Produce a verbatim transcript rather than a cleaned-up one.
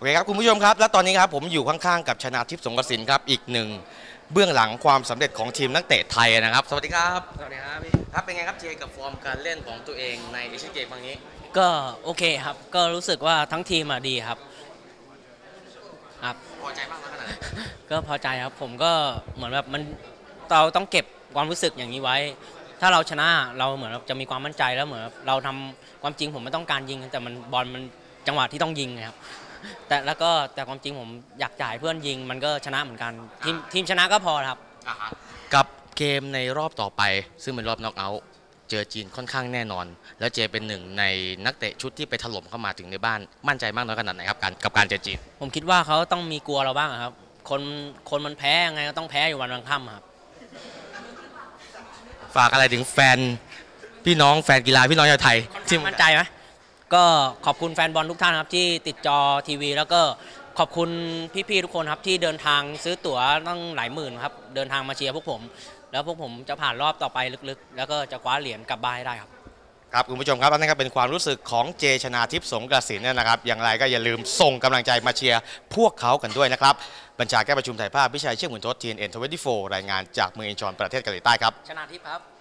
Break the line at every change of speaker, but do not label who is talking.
เคครับคุณผู้ชมครับและตอนนี้ครับผมอยู่ข้างๆกับชนาทิพย์สงกสินครับอีกหนึ่งเบื้องหลังความสำเร็จของทีมนักเตะไทยนะครับสวัสดีครับ
สวัสดีครับพี่
ครับเป็นไงครับเจกับฟอร์มการเล่นของตัวเองในเอเชียนเกมครั้งนี้
ก็โอเคครับก็รู้สึกว่าทั้งทีมอะดีครับครับ
พอใจมากน้อยขนาดไหน
ก็พอใจครับผมก็เหมือนแบบมันเราต้องเก็บความรู้สึกอย่างนี้ไว้ ถ้าเราชนะเราเหมือนจะมีความมั่นใจแล้วเหมือนเราทำความจริงผมไม่ต้องการยิงแต่มันบอลมันจังหวะที่ต้องยิงครับแต่แล้วก็แต่ความจริงผมอยากจ่ายเพื่อนยิงมันก็ชนะเหมือนกันทีมทีมชนะก็พอครับ
กับเกมในรอบต่อไปซึ่งเป็นรอบน็อกเอาท์เจอจีนค่อนข้างแน่นอนแล้วเจเป็นหนึ่งในนักเตะชุดที่ไปถล่มเข้ามาถึงในบ้านมั่นใจมากน้อยขนาดไหนครับการกับการเจอจีน
ผมคิดว่าเขาต้องมีกลัวเราบ้างครับคนคนมันแพ้ยังไงก็ต้องแพ้อยู่วันวันค่ำครับ
ฝากอะไรถึงแฟนพี่น้องแฟนกีฬาพี่น้องชาวไทย
ที่มั่นใจไหมก็ขอบคุณแฟนบอลทุกท่านครับที่ติดจอทีวีแล้วก็ขอบคุณพี่ๆทุกคนครับที่เดินทางซื้อตั๋วตั้งหลายหมื่นครับเดินทางมาเชียร์พวกผมแล้วพวกผมจะผ่านรอบต่อไปลึกๆแล้วก็จะคว้าเหรียญกลับบ้านให้ได้ครับ
ครับคุณผู้ชมครับนั่นก็เป็นความรู้สึกของเจชนาทิพย์สงกสินนะครับอย่างไรก็อย่าลืมส่งกำลังใจมาเชียร์พวกเขากันด้วยนะครับบัญชาแก้ประชุมถ่ายภาพพิชัยเชี่ยงหมุนทศ ที เอ็น เอ็น ยี่สิบสี่ รายงานจากเมืองอินชอนประเทศเกาหลีใต้ครับ
ชนาทิพย์ครับ